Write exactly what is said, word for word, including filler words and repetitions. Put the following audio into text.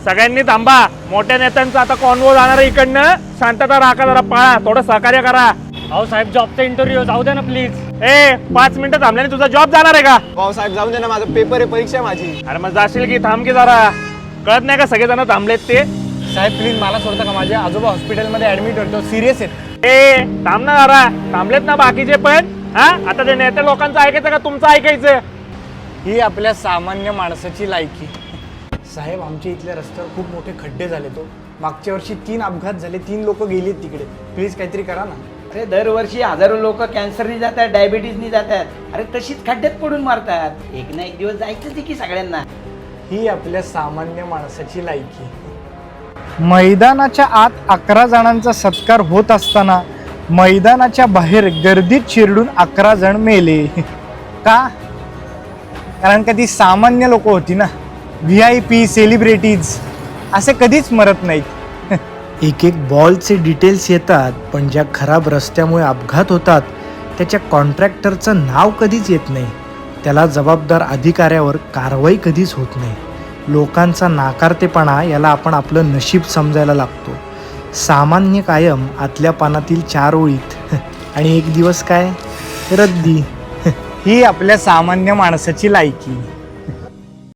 सगळ्यांनी थांबा, मोठ्या नेत्यांचा आता कॉन्वो जाणार आहे इकडनं. शांतता राखा, जरा पाळा, थोडं सहकार्य करा. अहो साहेब, जॉबचा इंटरव्ह्यू जाऊ दे ना प्लीज. ए पाच मिनिटं थांबल्याने तुझा जॉब जाणार आहे का? भाऊ साहेब जाऊन दे ना, माझा पेपर आहे, परीक्षा माझी. अरे मग जाशील की थांब की जरा. कळत नाही का सगळेजण थांबलेत ते? साहेब प्लीज मला सोडता का, माझे आजोबा हॉस्पिटलमध्ये ऍडमिट होतो, सिरियस आहेत. ए थांब ना जरा, थांबलेत ना बाकीचे पण. हा आता ते नेत्या लोकांचं ऐकायचं का तुमचं ऐकायचं? ही आपल्या सामान्य माणसाची लायकी. साहेब आमच्या इथल्या रस्त्यावर खूप मोठे खड्डे झाले. तो मागच्या वर्षी तीन अपघात झाले, तीन लोक गेलीत तिकडे. प्लीज काहीतरी करा ना. अरे दरवर्षी हजारो लोक कॅन्सरनी जातात, डायबिटीजनी जातात. अरे तशीच खड्ड्यात पडून मारतात. एक ना एक दिवस जायचंच आहे की सगळ्यांना. ही आपल्या सामान्य माणसाची लायकी. मैदानाच्या आत अकरा जणांचा सत्कार होत असताना मैदानाच्या बाहेर गर्दीत चिरडून अकरा जण मेले. का? कारण का ती सामान्य लोक होती ना. व्ही आय पी सेलिब्रिटीज असे कधीच मरत नाहीत. एक एक बॉलचे डिटेल्स येतात, पण ज्या खराब रस्त्यामुळे अपघात होतात त्याच्या कॉन्ट्रॅक्टरचं नाव कधीच येत नाही. त्याला जबाबदार अधिकाऱ्यावर कारवाई कधीच होत नाही. लोकांचा नाकारतेपणा याला आपण आपलं नशीब समजायला लागतो. सामान्य कायम आतल्या पानातील चार ओळीत आणि एक दिवस काय रद्दी. ही आपल्या सामान्य माणसाची लायकी.